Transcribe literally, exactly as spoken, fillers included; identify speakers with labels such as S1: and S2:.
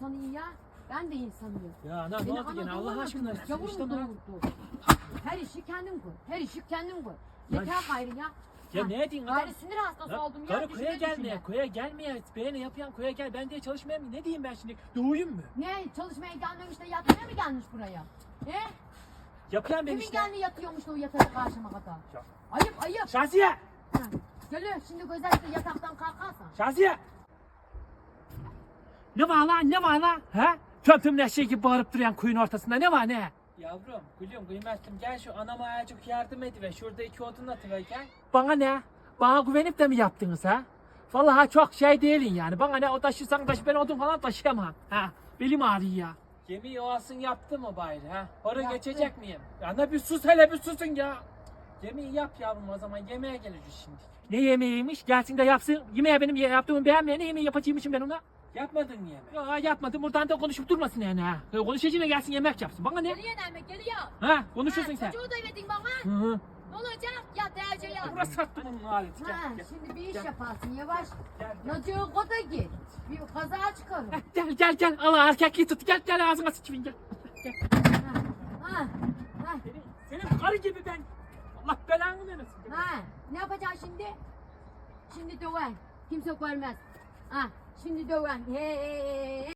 S1: insanı iyi ya. Ben de insanıyım.
S2: Ya ana ne
S1: Beni
S2: oldu gene
S1: ana
S2: Allah
S1: doğurmadı
S2: aşkına?
S1: mı? Yavrum
S2: İşte ne?
S1: doğurdu. Her işi kendin koy. Her işi kendin koy.
S2: Ya-
S1: Yeter gayrı ya.
S2: Ya
S1: Ha,
S2: ne diyeyim adam?
S1: Gayrı sinir hastası
S2: Ya,
S1: oldum ya.
S2: karı
S1: düşüne
S2: koya gelmeye,
S1: düşüne.
S2: koya gelmeye, beğeni yapıyan koya gel, ben diye çalışmaya mı? Ne diyeyim ben şimdi? Doğuyum mu?
S1: Ne çalışmaya gelmemiş de yatmaya mı gelmiş buraya? He?
S2: Yapıyan ben
S1: Kimin
S2: işte.
S1: geldi yatıyormuş da o yatacak karşıma kadar?
S2: Ya.
S1: Ayıp ayıp.
S2: Şaziye!
S1: Ha. Geliyor şimdi özellikle yataktan kalkarsan.
S2: Şaziye! Ne var lan, ne var lan? Ha? Tüm tüm neşe gibi bağırıp duruyan kuyun ortasında ne var ne?
S3: Yavrum, gülüm, kıymetlim gel şu anama azıcık yardım ediver. Şurada iki odun atıver gel.
S2: Bana ne? Bana güvenip de mi yaptınız ha? Vallahi çok şey değilin yani. Bana ne o taşırsan taşı, ben odun falan taşıyamam. Ha? Belim ağrıyor ya.
S3: Yemeği oğasın yaptı mı bari ha? Para
S1: Yaptı.
S3: geçecek miyim? Ana bir sus hele bir susun ya. Yemeği yap yavrum o zaman yemeğe geleceğiz şimdi.
S2: Ne yemeğiymiş? Gelsin de yapsın. Yemeğe benim yaptığımı beğenmeyen ne yemeği yapacağımışım ben ona?
S3: Yapmadın mı yemeği?
S2: Ya yapmadım. Buradan da konuşup durmasın yani ha. Konuşacağına gelsin yemek yapsın. Bana ne?
S1: Geliyor Nermin geliyor.
S2: Ha? Konuşursun
S1: Ha,
S2: sen.
S1: çocuğu da verdin bana.
S2: Hı hı.
S1: Ne olacak? Ya derece ya.
S2: Burası sattım onun aleti. Gel,
S1: Ha,
S2: gel.
S1: şimdi bir iş
S2: Gel.
S1: yaparsın yavaş.
S2: Gel, gel.
S1: Naciye koda git. Bir kaza çıkarır.
S2: Heh, Gel gel gel. Allah erkekliği tut. Gel gel ağzına sıçayım gel. Gel.
S1: Ha, ha, ha,
S2: Senin, senin karı gibi ben. Allah belanı vermesin.
S1: ha. Ne yapacaksın şimdi? Şimdi döven. Kimse görmez. Ha, şimdi döven. He, he, he, he.